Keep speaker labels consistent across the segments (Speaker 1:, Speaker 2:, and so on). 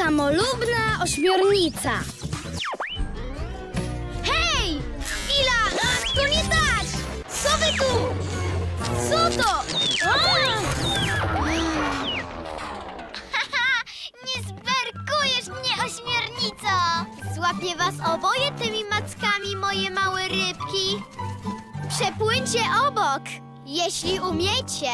Speaker 1: Samolubna ośmiornica. Hej! Chwila! To nie tak! Co wy tu? Co to?
Speaker 2: Nie zberkujesz mnie, ośmiornico! Złapię was oboje tymi mackami, moje małe rybki. Przepłyńcie obok, jeśli umiecie.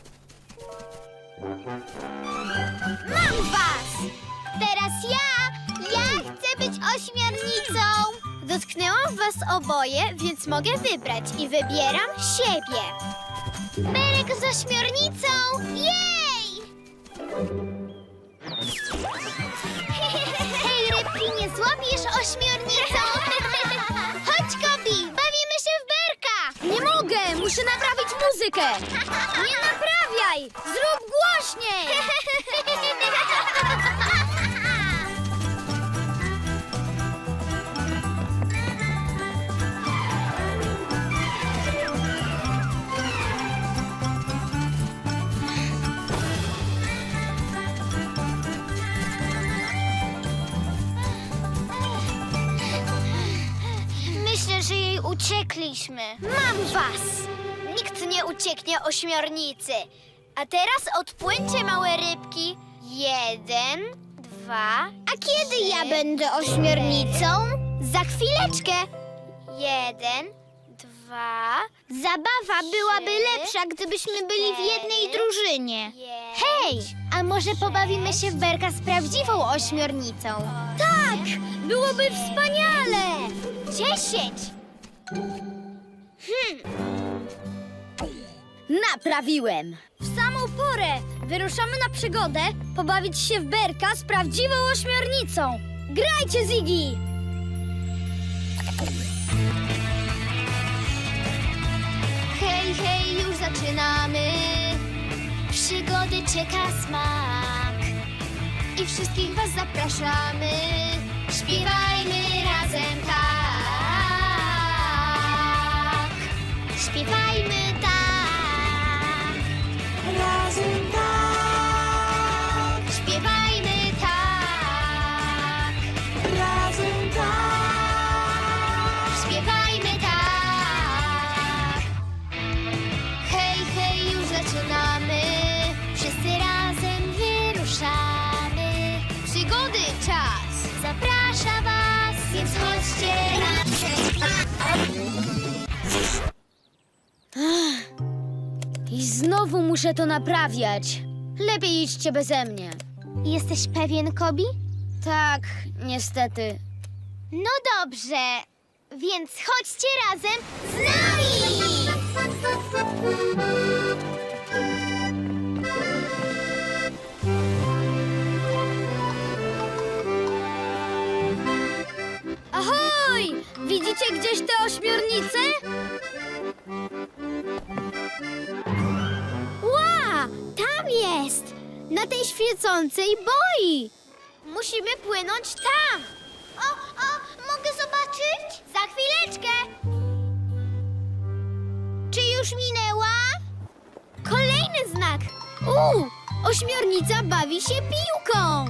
Speaker 2: Mam was! Teraz ja chcę być ośmiornicą. Dotknęłam was oboje, więc mogę wybrać i wybieram siebie. Berek z ośmiornicą! Jej! Hej, rybki, nie złapiesz ośmiornicą? Chodź, Kobi, bawimy się w berka!
Speaker 1: Nie mogę! Muszę naprawić muzykę! Nie naprawiaj! Zrób głośniej!
Speaker 2: Myślę, że jej uciekliśmy. Mam was! Nikt nie ucieknie ośmiornicy. A teraz odpłyńcie, małe rybki. 1, 2. A kiedy ja będę ośmiornicą? Za chwileczkę. 1, 2. Zabawa byłaby lepsza, gdybyśmy byli w jednej drużynie. Hej, a może pobawimy się w berka z prawdziwą ośmiornicą?
Speaker 1: Tak! Byłoby wspaniale!
Speaker 2: 10.
Speaker 1: Naprawiłem! W samą porę! Wyruszamy na przygodę pobawić się w berka z prawdziwą ośmiornicą! Grajcie, Ziggy!
Speaker 2: Hej, hej, już zaczynamy. Przygody czeka smak. I wszystkich was zapraszamy. Śpiewajmy razem tak. Śpiewajmy tak. Razem tak. Śpiewajmy tak. Razem tak. Śpiewajmy tak. Hej, hej, już zaczynamy. Wszyscy razem wyruszamy. Przygody czas zaprasza was, więc chodźcie razem.
Speaker 1: I znowu muszę to naprawiać. Lepiej idźcie beze mnie.
Speaker 2: Jesteś pewien, Kobi?
Speaker 1: Tak, niestety.
Speaker 2: No dobrze, więc chodźcie razem z nami!
Speaker 1: Ahoj! Widzicie gdzieś te ośmiornice?
Speaker 2: Ła! Tam jest! Na tej świecącej boi! Musimy płynąć tam! O, mogę zobaczyć? Za chwileczkę! Czy już minęła? Kolejny znak!
Speaker 1: Ośmiornica bawi się piłką!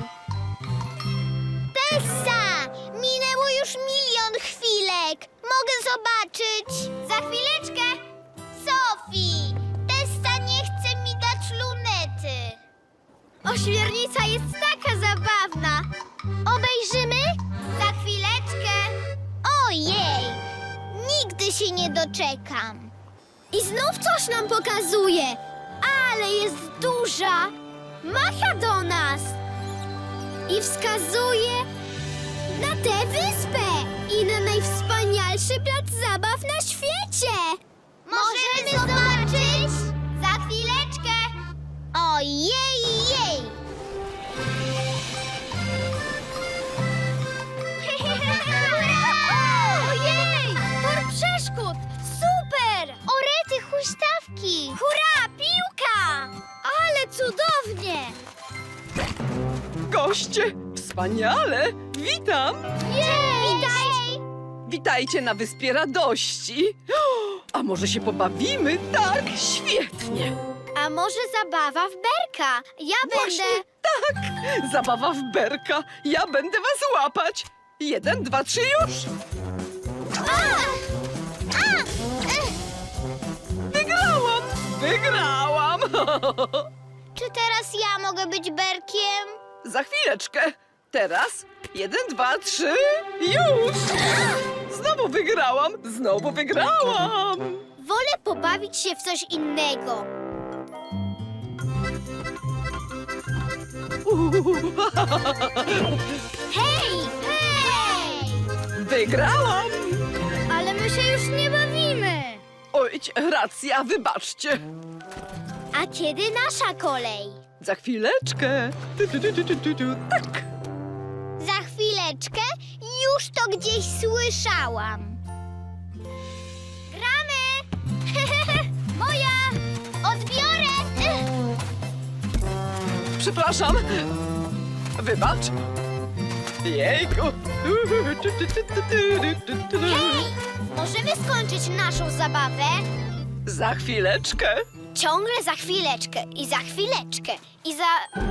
Speaker 2: Tessa! Minęło już 1 000 000 chwilek! Mogę zobaczyć? Za chwileczkę! Sophie! Tessa nie chce mi dać lunety! Ośmiornica jest taka zabawna! Obejrzymy? Za chwileczkę! Ojej! Nigdy się nie doczekam!
Speaker 1: I znów coś nam pokazuje!
Speaker 2: Ale jest duża! Macha do nas!
Speaker 1: I wskazuje na tę wyspę i na najwspanialszy plac zabaw na świecie!
Speaker 2: Możemy zobaczyć? Za chwileczkę! Ojej, jej!
Speaker 1: Ojej! Tor przeszkód! Super!
Speaker 2: Orety huśtawki!
Speaker 1: Hurra! Piłka! Ale cudownie!
Speaker 3: Goście! Wspaniale! Witam!
Speaker 2: Witaj!
Speaker 3: Witajcie na Wyspie Radości! A może się pobawimy? Tak, świetnie!
Speaker 2: A może zabawa w berka? Ja
Speaker 3: Właśnie
Speaker 2: będę...
Speaker 3: Zabawa w berka. Ja będę was łapać. 1, 2, 3, już! Wygrałam! Wygrałam!
Speaker 2: Czy teraz ja mogę być berkiem?
Speaker 3: Za chwileczkę. Teraz 1, 2, 3, już! Znowu wygrałam! Znowu wygrałam!
Speaker 2: Wolę pobawić się w coś innego. Hej! Hej!
Speaker 3: Wygrałam!
Speaker 1: Ale my się już nie bawimy.
Speaker 3: Oj, racja, wybaczcie.
Speaker 2: A kiedy nasza kolej?
Speaker 3: Za chwileczkę. Tak.
Speaker 2: Za chwileczkę? Już to gdzieś słyszałam. Gramy! Moja! Odbiorę!
Speaker 3: Przepraszam. Wybacz. Jejku.
Speaker 2: Hej! Możemy skończyć naszą zabawę?
Speaker 3: Za chwileczkę.
Speaker 2: Ciągle za chwileczkę i za chwileczkę i za...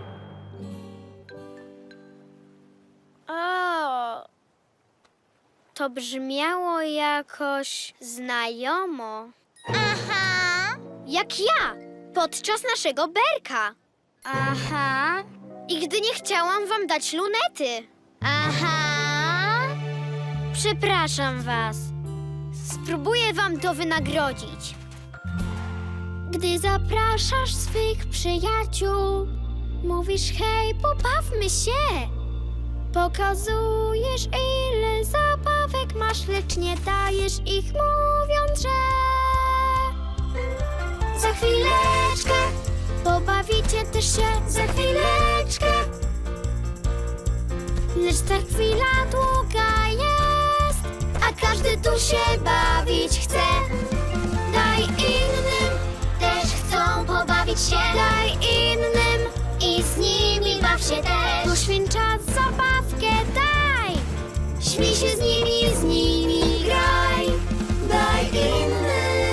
Speaker 2: O, to brzmiało jakoś znajomo. Aha. Jak ja, podczas naszego berka.
Speaker 1: Aha.
Speaker 2: I gdy nie chciałam wam dać lunety. Aha. Przepraszam was. Spróbuję wam to wynagrodzić. Gdy zapraszasz swych przyjaciół, mówisz hej, pobawmy się. Pokazujesz, ile zabawek masz, lecz nie dajesz ich, mówiąc, że za chwileczkę pobawicie też się, za chwileczkę. Lecz ta chwila długa jest, a każdy tu się bawić chce. Daj innym, też chcą pobawić się. Daj innym i z nimi baw się też. Poświęć czas, zabawkę daj. Śmiej się z nimi graj. Daj innym.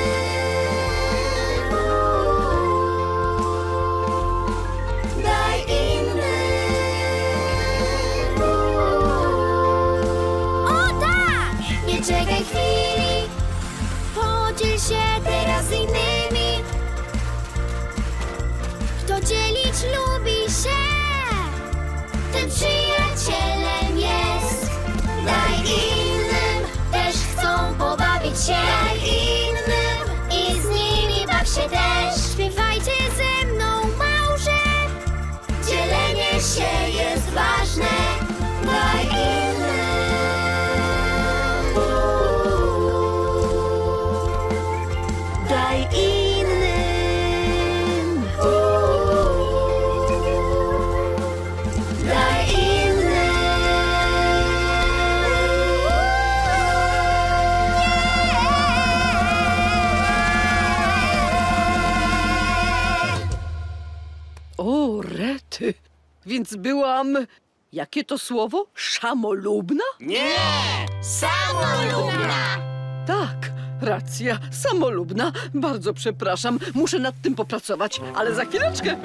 Speaker 2: Daj innym. O tak! Nie czekaj chwili. Podziel się teraz z innymi. Kto dzielić lubi się, ten przyjacielem jest. Daj innym, też chcą pobawić się. Daj innym i z nimi baw się też. Śpiewajcie ze mną małże, dzielenie się jest ważne. Daj innym. Daj innym. Daj innym.
Speaker 3: O, rety. Więc byłam... Jakie to słowo? Szamolubna?
Speaker 4: Nie!
Speaker 2: Samolubna!
Speaker 3: Tak, racja, samolubna. Bardzo przepraszam, muszę nad tym popracować, ale za chwileczkę.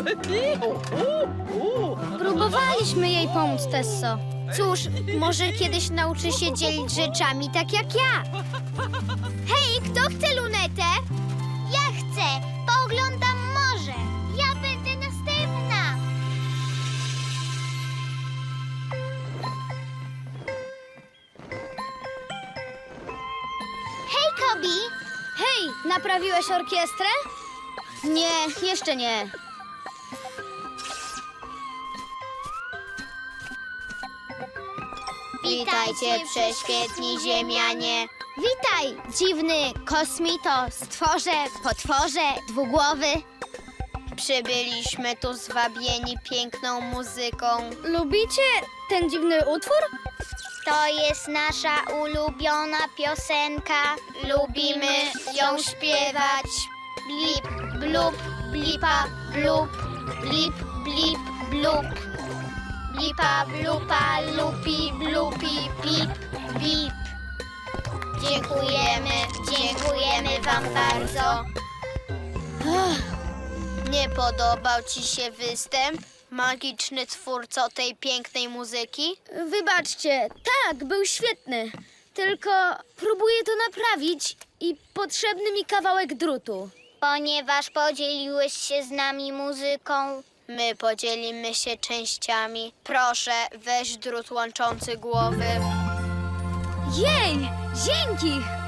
Speaker 1: Próbowaliśmy jej pomóc, Tesso.
Speaker 2: Cóż, może kiedyś nauczy się dzielić rzeczami tak jak ja. Hej, kto chce lunetę? Ja chcę. Pooglądam morze. Ja będę następna. Hej, Kobi.
Speaker 1: Hej, naprawiłeś orkiestrę? Nie, jeszcze nie.
Speaker 2: Witajcie, prześwietni ziemianie. Witaj, dziwny kosmito, stworze, potworze, dwugłowy. Przybyliśmy tu zwabieni piękną muzyką.
Speaker 1: Lubicie ten dziwny utwór?
Speaker 2: To jest nasza ulubiona piosenka. Lubimy ją śpiewać. Blip, blup, blipa, blup, blip, blip, blup. Blipa, blupa, lupi, blupi, bip, bip. Dziękujemy wam bardzo. Nie podobał ci się występ? Magiczny twórco tej pięknej muzyki?
Speaker 1: Wybaczcie, tak, był świetny. Tylko próbuję to naprawić i potrzebny mi kawałek drutu.
Speaker 2: Ponieważ podzieliłeś się z nami muzyką, my podzielimy się częściami. Proszę, weź drut łączący głowy.
Speaker 1: Jej, dzięki!